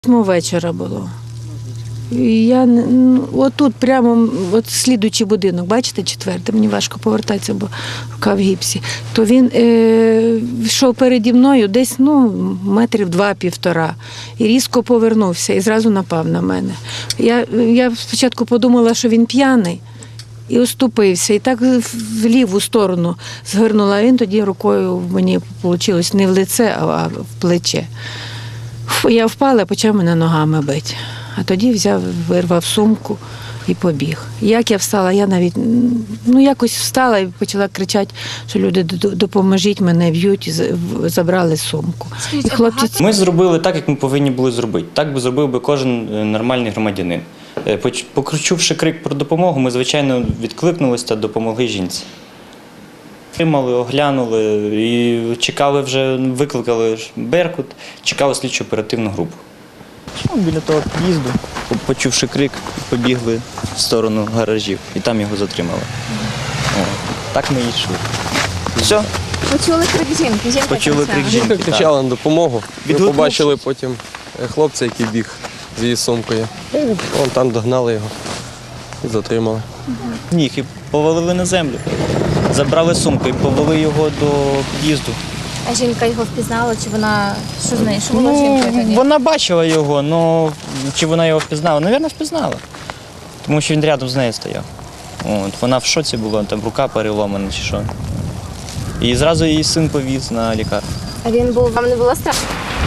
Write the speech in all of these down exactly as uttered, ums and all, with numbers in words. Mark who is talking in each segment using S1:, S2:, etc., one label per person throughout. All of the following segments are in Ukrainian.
S1: Восьмого вечора було. І я ну, отут прямо, от слідуючий будинок, бачите, четвертий, мені важко повертатися, бо рука в гіпсі. То він е, йшов переді мною десь ну, метрів два-півтора. І різко повернувся і зразу напав на мене. Я, я спочатку подумала, що він п'яний. І оступився. І так в ліву сторону згорнула. Він тоді рукою мені вийшло не в лице, а в плече. Я впала, почав мене ногами бити. А тоді взяв, вирвав сумку і побіг. Як я встала, я навіть, ну якось встала і почала кричати, що люди, допоможіть, мене б'ють, і забрали сумку. І хлопці...
S2: Ми зробили так, як ми повинні були зробити. Так би зробив би кожен нормальний громадянин. Почувши крик про допомогу, ми, звичайно, відкликнулися та допомогли жінці. Тримали, оглянули і чекали вже, викликали Беркут, чекали слідчо оперативну групу. Біля того під'їзду, почувши крик, побігли в сторону гаражів і там його затримали. О, так ми і йшли. Все.
S3: Почули крик жінки. Жінка
S2: Почули крик жінки.
S4: Жінка кричала на допомогу. Ми
S2: Відгукнувшись.
S4: побачили потім хлопця, який біг з її сумкою. І вон там догнали його і затримали.
S2: Ніг і повалили на землю. Забрали сумку і повели його до під'їзду.
S3: А жінка його впізнала, чи вона, що з нею, що було з жінкою тоді?
S2: Вона бачила його, але чи вона його впізнала? Навірно, впізнала. Тому що він рядом з нею стояв. От, вона в шоці була, там рука переломана чи що. І зразу її син повіз на лікарню.
S3: А він був, вам не було страшно?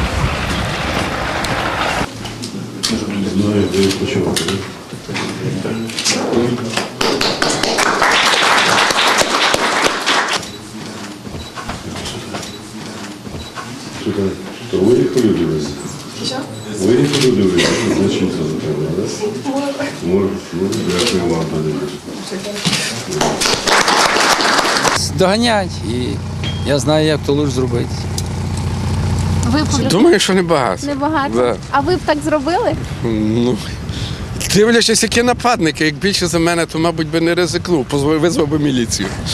S5: Знаю, де відпочивати. То виїхали дивитися? Що? Виїхали дивитися, значиться за тебе, так? Може. Ну, дякую вам, тоді.
S6: Доганять, і я знаю, як то лучше зробити.
S3: Ви б
S7: Думаю, що небагато.
S3: небагато?
S7: Да.
S3: А ви б так зробили?
S7: Ну, дивлячись, які нападники. Як більше за мене, то, мабуть, би не ризикнув, визвав би міліцію.